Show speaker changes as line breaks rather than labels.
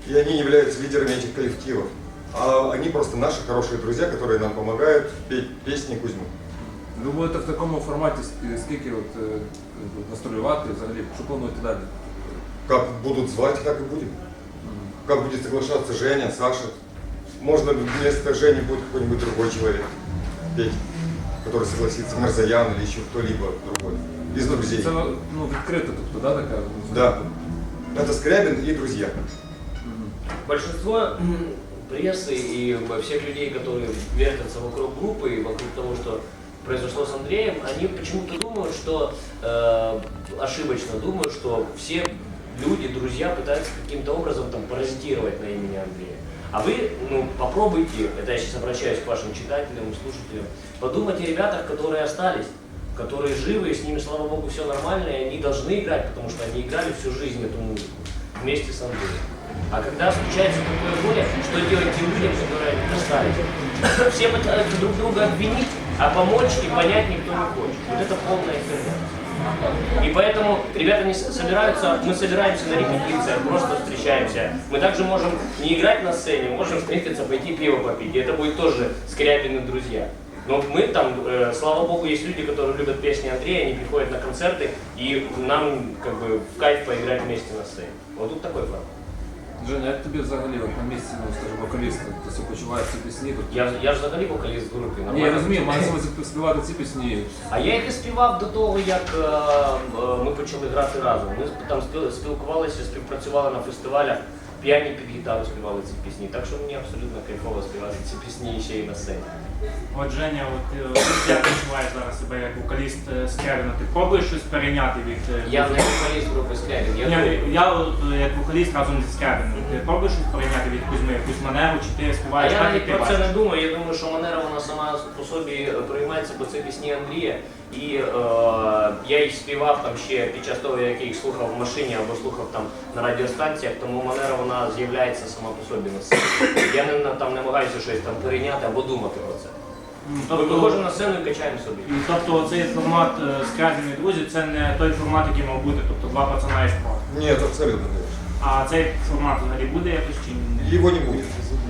и они являются лидерами этих коллективов. А они просто наши хорошие друзья, которые нам помогают петь песни Кузьмы.
Ви будете в такому форматі скільки гастролювати, взагалі, що плануєте далі?
Как будут звать, так и будем. Как будет соглашаться Женя, Саша. Можно вместо Жени будет какой-нибудь другой человек петь, который согласится, Марзаян или еще кто-либо другой из друзей.
Це відкрито, тобто, да, така?
Да. Это Скрябин и друзья.
Большинство прессы и всех людей, которые вертятся вокруг группы и вокруг того, что произошло с Андреем, они почему-то думают, что, ошибочно думают, что все люди, друзья пытаются каким-то образом там паразитировать на имени Андрея. А вы, попробуйте, это я сейчас обращаюсь к вашим читателям и слушателям, подумайте о ребятах, которые остались, которые живы, и с ними, слава богу, все нормально, и они должны играть, потому что они играли всю жизнь эту музыку вместе с Андреем. А когда случается такое горе, что делать тем людям, которые остались? Все пытаются друг друга обвинить, а помочь и понять никто не хочет. Вот это полная херня. И поэтому ребята не собираются, мы собираемся на репетициях, просто встречаемся. Мы также можем не играть на сцене, можем встретиться, пойти пиво попить. И это будет тоже Скрябин и друзья. Но мы там, слава богу, есть люди, которые любят песни Андрея, они приходят на концерты, и нам как бы в кайф поиграть вместе на сцене. Вот тут такой формат.
Женя, як тобі взагалі на місці, скажімо, вокаліста, ти себе почуваєш ці пісні?
Я ж взагалі вокаліст в групі.
Ні, я розумію, маю співати ці пісні.
А я їх і співав до того, як ми почали грати разом. Ми там спілкувалися, співпрацювали на фестивалях, п'яні під гітару співали ці пісні. Так що мені абсолютно кайфово співати ці пісні ще й на сцені.
От Женя, як відчуваєш зараз себе як вокаліст Скрябіна? Ти пробуєш щось перейняти від...
Я не вокаліст групи Скрябін.
Я як вокаліст разом зі Скрябіном. Ти пробуєш щось перейняти від Кузьми, якусь манеру, чи ти співаєш так, як ти
про це
бачиш?
не думаю. Я думаю, що манера вона сама по собі приймається, бо це пісні Андрія. І я їх співав там ще під час того, як я їх слухав в машині або слухав там на радіостанціях, тому манера вона з'являється сама по собі на сцені. Я не намагаюся щось там перейняти або думати про це. Ми виходимо на сцену і качаємо собі.
Тобто цей формат Скрябін і друзі, це не той формат, який мав бути, тобто два пацана і спорт.
Нет, абсолютно, конечно.
А цей формат взагалі буде якось чи ні?
Его не будет.